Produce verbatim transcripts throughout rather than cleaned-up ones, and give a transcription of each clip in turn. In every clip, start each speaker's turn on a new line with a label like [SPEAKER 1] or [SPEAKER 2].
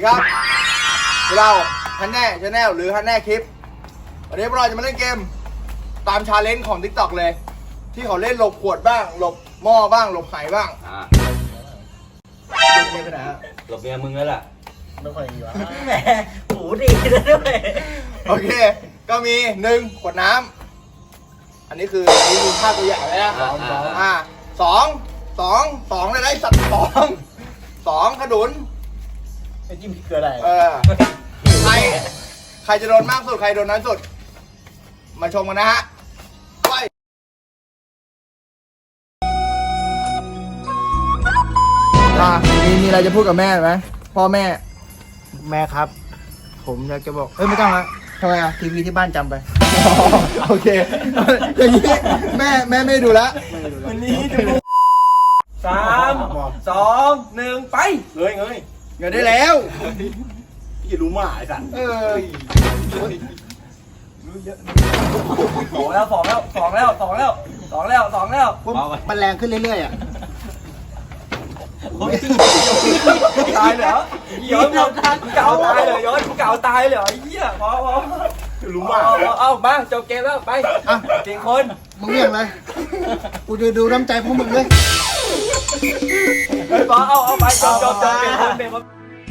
[SPEAKER 1] ครับเราฮันแน่ชาแนลหรือฮันแน่คลิปวันนี้พวกเราจะมาเล่นเกมตามชาเลนจ์ของ ติ๊กต็อก เลยที่เขาเล่นหลบขวดบ้างหลบหม้อบ้างหลบไหบ้างอ่าหลบเมียไปไหนฮะ
[SPEAKER 2] หลบเมียมึงแล้วล่ะ
[SPEAKER 1] ไม่ค่อยดีวะ
[SPEAKER 3] แหมหูดีนะด้วย
[SPEAKER 1] โอเคก็มีหนึ่งขวดน้ำอันนี้คืออันนี้คือภาพตัวอย่างเลยนะสองสองอ่าสองสองสองเลยได้สัตว์สองสองขนุน
[SPEAKER 3] ไอ้จิ้มพริกเกลืออะไร
[SPEAKER 1] เออใครใครจะโดนมากสุดใครโดนน้อยสุดมาชมกันนะฮะไปอ่ะมีมีอะไรจะพูดกับแม่ไหมพ่อแม่
[SPEAKER 3] แม่ครับผมอยากจะบอกเอ้ยไม่ต้องละ
[SPEAKER 1] ทำไมอ่ะ
[SPEAKER 3] ทีวีที่บ้านจำไป
[SPEAKER 1] โอเคอย่างนี้แม่แม่ไม่ดูแล้ว
[SPEAKER 3] วันนี้ดูสามสองหนึ่งไป
[SPEAKER 1] เงยเงยเงยได้แล้ว
[SPEAKER 3] พี่รู้มาไอ้สัน
[SPEAKER 1] เออ
[SPEAKER 3] สองแล้วสองแล้วสองแล้วสองแล้วสองแล้วสองแล้ว
[SPEAKER 1] มันแรงขึ้นเรื่อยๆอ่ะ
[SPEAKER 3] ตายเหรอย้อนเก่าตายเลยย้อนเก่าตายเลยไอ้เหี้ยพอพอ
[SPEAKER 1] รู้มา
[SPEAKER 3] เอามาจบเกมแล้วไปเก่งคน
[SPEAKER 1] มึงเรียกอะไรกูจะดูน้ำใจพวกมึงเลย
[SPEAKER 3] พอเอาเอาไปจบจบจบเก่งคนเก่งคน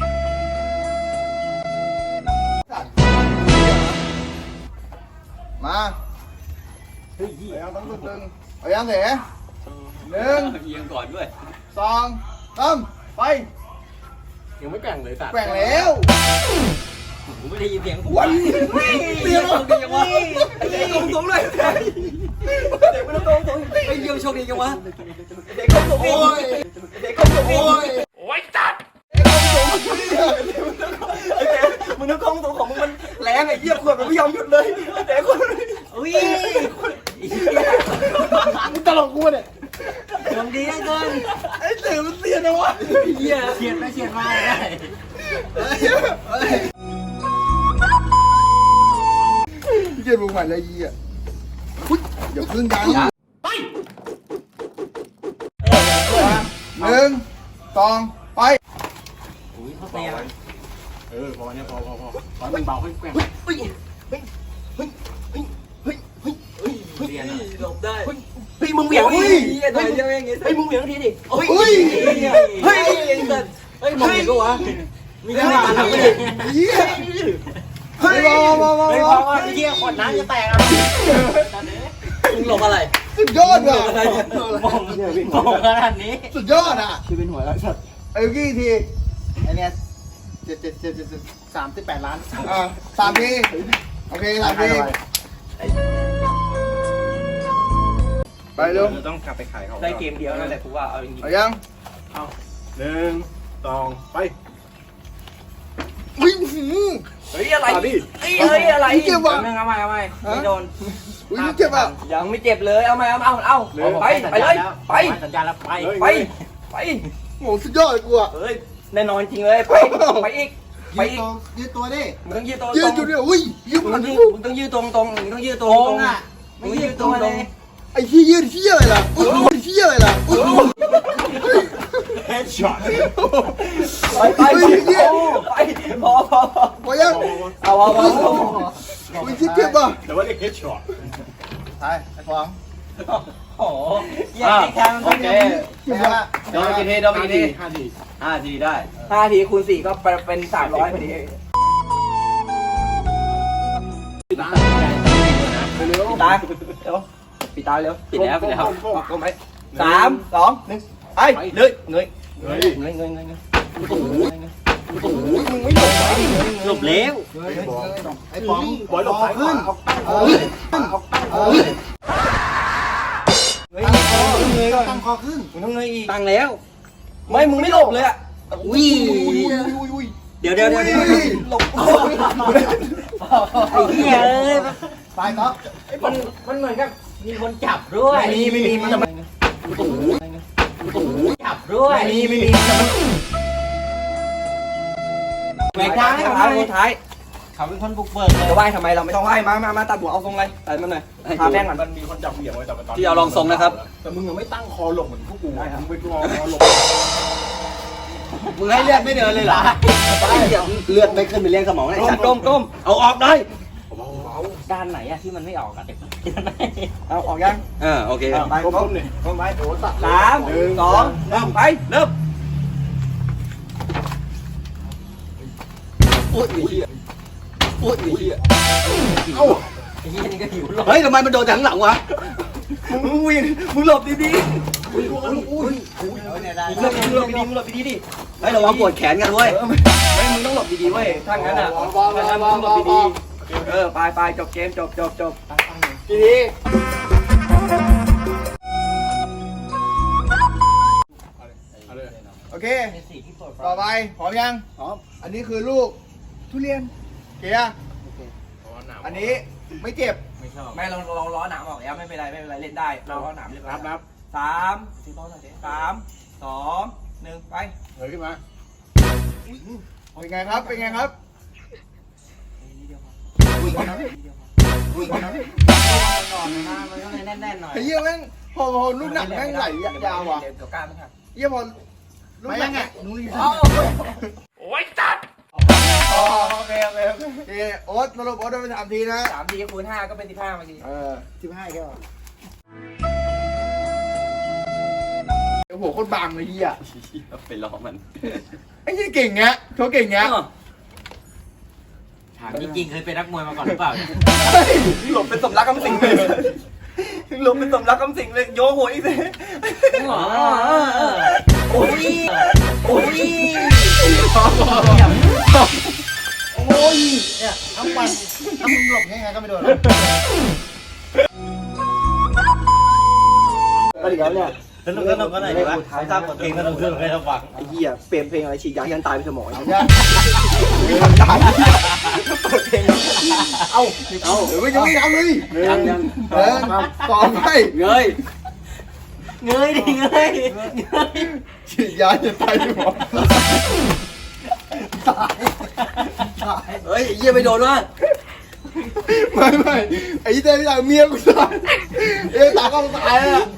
[SPEAKER 1] มาเฮ้ยเอาต้องตึงเอายังเสียหนึ่ง
[SPEAKER 2] เอียงก่อนด้วย
[SPEAKER 1] สองสามไป
[SPEAKER 3] ยังไม่แกว่งเลยสัตว์
[SPEAKER 1] แกว่งแล้ว
[SPEAKER 2] ผมไม่ได้ยินเสียง
[SPEAKER 1] วัน
[SPEAKER 2] เสียงโชคดีจังวะ
[SPEAKER 3] เด็กกงสูงเลยเด็กไม่ต้องกงสูงไอ้เยี่ยมโชคดีจังวะเด็กกงสูงโอ้ยเด็กกงสูงโอ้ยโอ้ยจัดมึงนึกกงสูงของมึงมันแรงไอ้เยี่ยมขวดมันไม่ยอมหยุดเลยเด็กคนอุ้ย
[SPEAKER 1] มึงตลกกูเนี่ย
[SPEAKER 3] ดวงดีไอ้เกิน
[SPEAKER 1] ไอ้เสือมันเสียนะวะ
[SPEAKER 3] เหี้ยเฉียดไปเฉียดมาได้
[SPEAKER 1] พี่เจมึงใหม่เลยยี่อ่ะอย่าพึ่งดังไปหนึ่งสองไป
[SPEAKER 3] อุ้ยเขาเตะ
[SPEAKER 1] เออพอเนี่ยพอพอพอตอนมันเบาให้แกว่งเฮ้ยเฮ้ยเฮ้ยเฮ้ยเฮ้ยเฮ้ยเฮ้ยเฮ้ย
[SPEAKER 3] หลบได้เฮ้ยมึงเหวี่ยงทีดิเฮ้ยเฮ้ยมึงเหวี่ยงทีดิเฮ้ยเฮ้ยเฮ้ยเฮ้ยมึงเหวี่ยงก็วะมีแค่มาทำไม่ได้
[SPEAKER 1] เฮ้ยมามามา
[SPEAKER 3] เฮ้ยพอไอ้เหี้ยขวดน้ำจะแตกอ่ะมึงหลบอะไร
[SPEAKER 1] สุดยอดว่ะ
[SPEAKER 3] มองมองขนาดนี้
[SPEAKER 1] สุดยอดอ่ะ
[SPEAKER 3] คือเป็นหัวแล้วสัตว์
[SPEAKER 1] ไอ้กี้ที
[SPEAKER 3] ไอ้เนี้ยเจ็ดเจ็ดเจ็ดเจ็ดสามสิบแปดล้าน
[SPEAKER 1] อ่าสามทีโอเคสามทีไปเร็ว
[SPEAKER 2] ต้องกลับไปขายเขา
[SPEAKER 3] ได้เกมเดียวนั่นแหละกูว่าเอาจริงๆ
[SPEAKER 1] เอายัง
[SPEAKER 3] เอาหนึ่งสองไป
[SPEAKER 1] วิ่ง
[SPEAKER 3] เฮ้ยอะไรเฮ้ยเฮ้ยอะไร
[SPEAKER 1] เจ็บว่ะ
[SPEAKER 3] เอาใหม่เอาใหม่ไม่โดน
[SPEAKER 1] อุ้ยเจ็บอ่ะ
[SPEAKER 3] ยังไม่เจ็บเลยเอาใหม่เอาเอาเอาไปไปเลยไปสัญญาแล้วไปไปไป
[SPEAKER 1] โอ้สุดยอดกูอ่ะ
[SPEAKER 3] เฮ้ยแน่นอนจริงเลยไปไปอีกไปอีก
[SPEAKER 1] ยืดตัวดิ
[SPEAKER 3] มึงต้องยืดตัว
[SPEAKER 1] ยืดอยู่เนี่ยอุ้ยยืดมัน
[SPEAKER 3] มึงต้องยืดตรงตรงมึงต้องยืดตรงตรงอ่ะมึงยืดตรงตรง
[SPEAKER 1] ไอ้ที่ยืดที่อะไรล่ะอุ้ยที่อะไรล่ะ
[SPEAKER 3] เฮดช็อตไปไปไปพอพอ
[SPEAKER 1] พอยัง
[SPEAKER 3] เอาเอาเอา
[SPEAKER 1] อุ้ยที่เจ็บอ่ะ
[SPEAKER 2] แต่ว่าเรียกเฮดช็อต
[SPEAKER 1] ไปไอ้ฟอง
[SPEAKER 3] โอ้ยยังแทงโอเค
[SPEAKER 2] โดนกี่ทีโดนกี่ทีห้าทีห้าทีได้
[SPEAKER 3] ห้าทีคูณสี่ก็เป็นสามร้อยพอดี
[SPEAKER 1] เร็ว
[SPEAKER 3] ตายเร็วปิดตาเร็ว
[SPEAKER 2] ปิดแล้วปิดแล้ว
[SPEAKER 3] ก้มไปสามสองหนึ่งไปเลยเงยเงยเงยเงยเงยโอ้โหโอ้โหมึงไม่หลบไปหลบเร็ว
[SPEAKER 1] ไอ้ป๋องบอยหลบขึ้นเงยตั้งคอขึ้น
[SPEAKER 3] มึงต้องเงยอีกตั้งแล้วไม่มึงไม่หลบเลยอ่ะอุ้ยเดี๋ยวเดี๋ยวเดี๋ยวหลบไอ้เหี้ยเลย
[SPEAKER 1] ไปต๊อก
[SPEAKER 3] มันมันเหมือนกับมีคนจับด้วย
[SPEAKER 1] ไม่มีไม่มีมันจะมา
[SPEAKER 3] จับด้วย
[SPEAKER 1] ไม่มีไม่มี
[SPEAKER 3] แหวกทางให้เขาคนท้ายเขาเป็นคนบุกเบิกจะไหว้ทำไมเราไม่ต้องไหว้มามามาตัดหัวเอาทรงเลยตัดมันหน่อยทาแป้งก่อน
[SPEAKER 2] มันมีคนจับเหวี่ยงไว้แต่ที่เอาลองทรงนะครับ
[SPEAKER 1] แต่มึงยังไม่ตั้งคอหลบเหมือนพวกกูมึงไปคอหลบ
[SPEAKER 2] มึงให้เลือดไม่เดินเลยเหรอเลือดไม่ขึ้นไปเลี้ยงสมองเลย
[SPEAKER 3] ก้มก้มก้ม
[SPEAKER 2] เอาออกได้
[SPEAKER 3] ด้านไหนอะที่มันไม่ออกอะเด็ก
[SPEAKER 1] เอาออกยัง
[SPEAKER 2] เออโอเค
[SPEAKER 1] ไปก้มหนึ่งก้มไปโอ้ตัด
[SPEAKER 3] สามสองเริ่มไปเริ่ม
[SPEAKER 2] อุ้ยอุ้ยอุ้ยอุ้ย
[SPEAKER 1] เอ้า
[SPEAKER 3] ไอ้เหี้ยนี่ก็หิวหรอก
[SPEAKER 2] เฮ้ยทำไมมันโดนจากข้างหลังวะ
[SPEAKER 3] มึงวิ่งมึงหลบดี
[SPEAKER 1] อุ้ยอุ้ยอุ้ย
[SPEAKER 3] ๆมึงหลบดีๆมึงหลบดีๆมึงหลบดีๆดิ
[SPEAKER 2] เฮ้ยระวังปวดแขนกันเว้ย
[SPEAKER 3] ไม่มึงต้องหลบดีๆเว้ยถ้างั้นอะถ้างั้นมึงต้องหลบดีๆเออไปไปจบเกมจบจบจบ
[SPEAKER 1] กี่ทีโอเค ต่อไปพร้อมยัง
[SPEAKER 2] พร้อม
[SPEAKER 1] อันนี้คือลูกทุเรียนเกียร์อันนี้ไม่เจ็บ
[SPEAKER 3] ไม่เราเราล้อหนามออกแล้วไม่เป็นไรไม่เป็นไรเล่นได้เราล้อหนามเรียบร้อย
[SPEAKER 4] นับนับ
[SPEAKER 3] สามสามสองหนึ่งไป
[SPEAKER 4] เฮ้ยขึ้นมา
[SPEAKER 1] เป็นไงครับ เป็นไงครับ
[SPEAKER 3] มันก็เลยแน่นๆหน่อย
[SPEAKER 1] ไอ้เหี้ยแม่งพอพอลูกหนักแม่งไหลยาวอ่ะ
[SPEAKER 3] เดี๋ยวกล้าไหมครับ
[SPEAKER 1] เหี้ยพอลูกหนักอ่ะนู้น
[SPEAKER 3] โอ้ยจัดโอเคโอเคโอเค
[SPEAKER 1] เอโอ๊ตสรุปโอ๊ตได้ไปสามทีนะ
[SPEAKER 3] สามทีคูณห้าก็เป็นสิบห้าเมื่อกี้
[SPEAKER 1] เออสิบห้าแค่โอ้โหโคตรบางเลยเหี้ย
[SPEAKER 2] ไปล้อมัน
[SPEAKER 1] ไอ้เหี้ยเก่งเงี้ยเขาเก่งเงี้ย
[SPEAKER 3] ถามจริงๆเคยเป็นนักมวยมาก่อนหรือเปล่า
[SPEAKER 2] หลบเป็นสมรักคำสิงเลยหลบเป็นสมรักคำสิงเลยโยหัวอีกเลย
[SPEAKER 3] อ๋อโอ้ยโอ้ย
[SPEAKER 1] โอ้ยเนี่ยทั้งวันถ้ามึงหลบง่ายๆก็ไม่โดนหรอก
[SPEAKER 2] ก็ดีแล้วเนี่ย
[SPEAKER 3] สนุกสนุกกันหน่อยดีวะทราบกฎเกมสนุกสนุกให้เราฟัง
[SPEAKER 2] ไอ้เหี้ยเปลี่ยนเพลงอะไรฉีดยายันตายไปสมอง
[SPEAKER 1] เอายังมีคำถามเปิดเพลงเอาเอาเดี๋ยวไม่ยังไม่ทำเลย
[SPEAKER 2] ยังยัง
[SPEAKER 1] เออต่อไป
[SPEAKER 2] เงย
[SPEAKER 3] เงยดิเงยเงย
[SPEAKER 1] ฉีดยาจะตายที่หมอตายตาย
[SPEAKER 2] เฮ้ยเหี้ยไปโดนวะ
[SPEAKER 1] ไม่ไม่ไอ้ยี่เต้ไม่ตายเมียกูตายเอ้ยตาก็ตายแล้ว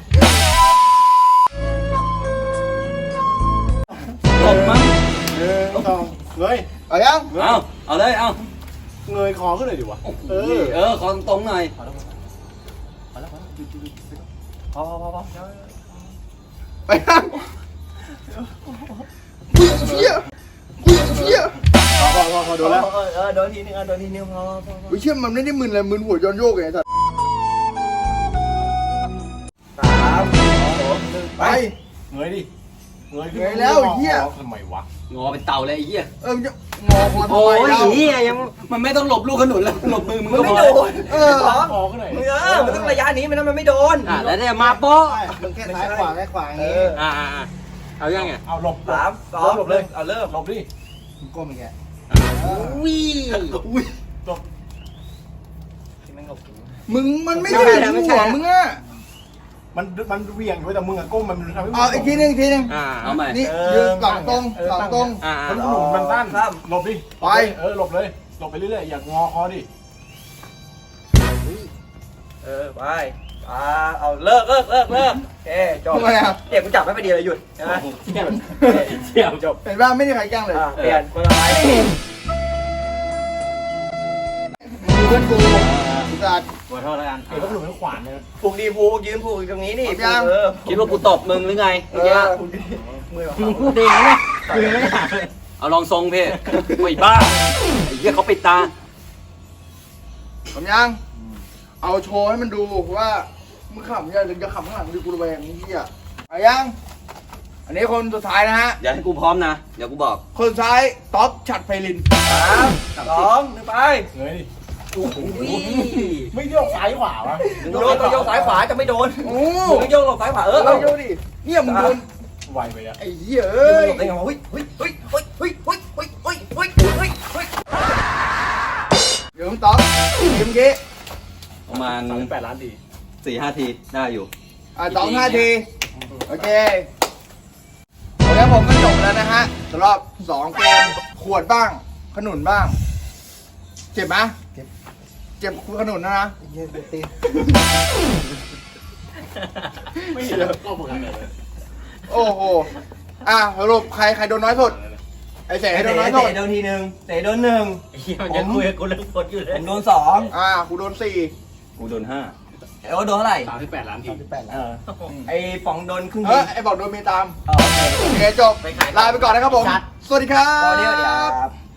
[SPEAKER 2] ตบมั้ง
[SPEAKER 4] หนึ่งสองเงย
[SPEAKER 1] เอายัง
[SPEAKER 2] เอาเอาเลยเอา
[SPEAKER 4] เงยคอขึ้นเลยดิวะ
[SPEAKER 2] เออเออคอตรงหน่อย
[SPEAKER 3] พอพอพอพอ
[SPEAKER 1] ไปยังกูเชี่ยกูเชี่ย
[SPEAKER 4] พอพอพอพอโดนแล้ว
[SPEAKER 3] เออเออโดนทีนึงเออโดนทีนึงพอพอพอ
[SPEAKER 1] กูเชี่ยมันไม่ได้มึนเลยมึนหัวย้อนโยกไงสัตว์
[SPEAKER 3] สามสองหนึ่ง
[SPEAKER 1] ไป
[SPEAKER 4] เงยดิเงยขึ้น
[SPEAKER 1] เงยแล้วไอ้เหี้ย
[SPEAKER 4] ทำไมวะ
[SPEAKER 2] งอเป็นเต่าเลยไอ้เหี้ย
[SPEAKER 1] เออมันจะงอคอทำ
[SPEAKER 2] โอ้
[SPEAKER 1] ไม
[SPEAKER 2] ย
[SPEAKER 1] เรา
[SPEAKER 2] เหี้ยยังมันไม่ต้องหลบลูกขนุนแล้วหลบมือมึง
[SPEAKER 3] มัน
[SPEAKER 2] ก็
[SPEAKER 3] ไม่
[SPEAKER 2] พอ
[SPEAKER 3] โดน
[SPEAKER 1] เออ
[SPEAKER 4] คอขึ้นหน่อย
[SPEAKER 3] เออมันต้องระยะนี้ไม่นั้นมันไม่โดน
[SPEAKER 2] อ่ะแล้วเนี่ยมาโป๊ะ
[SPEAKER 1] มันแค่ซ้ายขวาแค่ขวาอย่าง
[SPEAKER 3] เอ
[SPEAKER 1] งี้
[SPEAKER 3] อ
[SPEAKER 2] อ่าอ่าอ่าเอายังไง
[SPEAKER 4] เอาหลบ
[SPEAKER 3] สามสองหลบเลยเอาเริ่ม
[SPEAKER 4] หลบดิ
[SPEAKER 1] มึงก้มอีกแก
[SPEAKER 3] วิ่
[SPEAKER 1] อุ้ย
[SPEAKER 4] หลบ
[SPEAKER 3] ที่ไม่หลบ
[SPEAKER 1] มึงมันไม่ได้หัวมึงอ่ะ
[SPEAKER 4] มันมันเวียงด้วยแต่มึงอะก้มมันทำให้มึง
[SPEAKER 1] เอาอีกทีหนึงอีกทีหนึง
[SPEAKER 2] อ่าเอาใหม่
[SPEAKER 1] นี่ยืนหลังตรงหลังตรง
[SPEAKER 2] อ่า
[SPEAKER 4] มันหนุนมันตั้นหลบดิเออหลบเลยหลบไปเรื่อยๆอย่างงอคอดิ
[SPEAKER 3] เออไปอ่าเอาเลิกเลิกเลิกเลิกโอเคจบ
[SPEAKER 1] ทำไมอ่ะ
[SPEAKER 3] เด็กกูจับไม่ไปดีเลยหยุดใช่ไหม
[SPEAKER 2] เสี่ยวจบ
[SPEAKER 1] เห็นป่ะไม่มีใครแกล้งเลย
[SPEAKER 3] อ่าเปลี่ยนคนละไม้
[SPEAKER 1] มึงเพื่อนกูจัด
[SPEAKER 3] ขอโทษแล้วกัน
[SPEAKER 4] เดี๋ยวก็หนุนให้ขวานเนี่ย
[SPEAKER 3] ผูกดีผูกยืนผูกตรงนี้นี่
[SPEAKER 1] พร้อมยัง
[SPEAKER 3] เออ
[SPEAKER 2] คิดว่ากูตบมึงหรือไง
[SPEAKER 1] เอ
[SPEAKER 2] เมื่อกี้
[SPEAKER 1] อ
[SPEAKER 3] มือ
[SPEAKER 2] มึงพูดเองนะเอาลองทรงเพ่ไม่บ้าไอ้เหี้ยเขาปิดตา
[SPEAKER 1] ผมยัง เอาโชว์ให้มันดูว่ามึงขำยังหรือจะขำข้างหลังดูกูระแวงนี่เหี้ยเอายัง อันนี้คนสุดท้ายนะฮะ
[SPEAKER 2] อย่าให้กูพร้อมนะ เดี๋ยวกูบอก
[SPEAKER 1] คนสุดท้ายท็อปฉัดไพลิน
[SPEAKER 3] สามสองหนึ่งไป
[SPEAKER 4] เงยดิ
[SPEAKER 3] วิ่ง
[SPEAKER 4] ไม่โยกซ้ายขวาวะ
[SPEAKER 3] โยกต้องโยกซ้ายขวาจะไม่โดน
[SPEAKER 1] โอ้
[SPEAKER 3] มึงโยกหลบซ้ายขวาเอ
[SPEAKER 1] เอ
[SPEAKER 3] อ
[SPEAKER 1] อ
[SPEAKER 3] เอา
[SPEAKER 1] เดี๋ยวดิเนี่ยมึงโดน
[SPEAKER 4] ไวไปอ่ะ
[SPEAKER 1] ไอ้เหี้ยเอ้ย
[SPEAKER 3] หลบได้ไงวะเฮ้ยเฮ้ยเฮ้ยเฮ้ยเฮ้ยเฮ้ยเฮ้ยเฮ้ยเฮ้ยเฮ้ยเฮ้ย
[SPEAKER 1] เดี๋ยวมึงต๊อกทีมเมื่อกี้
[SPEAKER 2] ประมาณ
[SPEAKER 4] สามสิบแปดล้านดี
[SPEAKER 2] สี่ห้าทีได้อยู่
[SPEAKER 1] อ่ะต๊อกห้าที โอเคแล้วผมก็จบแล้วนะฮะสำหรับสองเกมขวดบ้าง ขนุนบ้าง เจ็บไหมเจ็บ เจ็บขนุนนะนะ
[SPEAKER 4] ไม่เยอะก็เหมือนกันเลย
[SPEAKER 1] โอ้โหอ่ะสรุปใครใครโดนน้อยสุดไอ้เส
[SPEAKER 3] เตะ
[SPEAKER 1] โดนน้อยสุด
[SPEAKER 3] โดนทีหนึ่งเตะโดนหนึ่ง
[SPEAKER 2] ไอ้เหี้ยมันจะคุยกับกูเรื่องคนอยู่เล
[SPEAKER 3] ผ
[SPEAKER 2] ย
[SPEAKER 3] มโดนสอง
[SPEAKER 1] อ่ากูโดนสี่
[SPEAKER 2] กูโดนห้า
[SPEAKER 3] ไอ้โอ๊ตโดนเท่าไหร่
[SPEAKER 2] สามสิบแปดล้านที
[SPEAKER 3] เออไอ้ป๋องโดนครึ่ง
[SPEAKER 1] เฮ้
[SPEAKER 3] ที
[SPEAKER 1] ยไอ้บอกโดนเมียตาม
[SPEAKER 3] เออโอเค
[SPEAKER 1] โอเคจบลาไปก่อนนะครับผม สวัสดีครั
[SPEAKER 3] สวัสดีครับ
[SPEAKER 1] บ